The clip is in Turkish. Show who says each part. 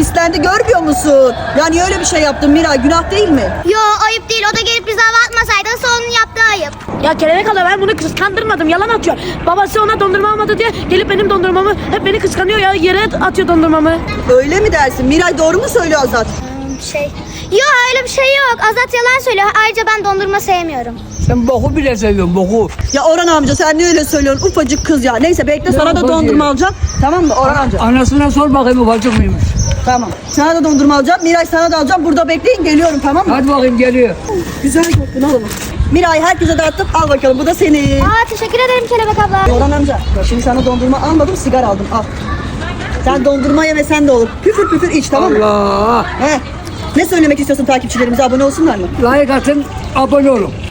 Speaker 1: pislendi, görmüyor musun? Ya niye öyle bir şey yaptın Miray, günah değil mi?
Speaker 2: Yo ayıp değil, o da gelip bize hava atmasaydı asıl onun yaptığı ayıp.
Speaker 3: Ya kelebek hala ben bunu kıskandırmadım, yalan atıyor. Babası ona dondurma almadı diye gelip benim dondurmamı hep beni kıskanıyor ya, yere atıyor dondurmamı.
Speaker 1: Öyle mi dersin? Miray doğru mu söylüyor Azat?
Speaker 2: Yo öyle bir şey yok, Azat yalan söylüyor. Ayrıca ben dondurma sevmiyorum.
Speaker 4: Sen boku bile seviyorsun, boku.
Speaker 1: Ya Orhan amca sen niye öyle söylüyorsun? Ufacık kız ya. Neyse bekle, sana da
Speaker 4: ufacık?
Speaker 1: dondurma alacağım. Tamam mı Orhan amca?
Speaker 4: Anasına sor bakayım ufacık mıymış?
Speaker 1: Tamam. Sana da dondurma alacağım. Miray sana da alacağım. Burada bekleyin, geliyorum, tamam mı?
Speaker 4: Hadi bakayım, geliyor.
Speaker 1: Güzel kokun oğlum. Miray herkese dağıttım. Al bakalım, bu da senin.
Speaker 2: Teşekkür ederim Kelebek abla.
Speaker 1: Orhan amca şimdi sana dondurma almadım, sigara aldım, al. Sen dondurma ye ve sen de olur. Püfür püfür iç, tamam mı?
Speaker 4: Allah.
Speaker 1: He. Ne söylemek istiyorsun takipçilerimize, abone olsunlar mı?
Speaker 4: Like atın, abone olun.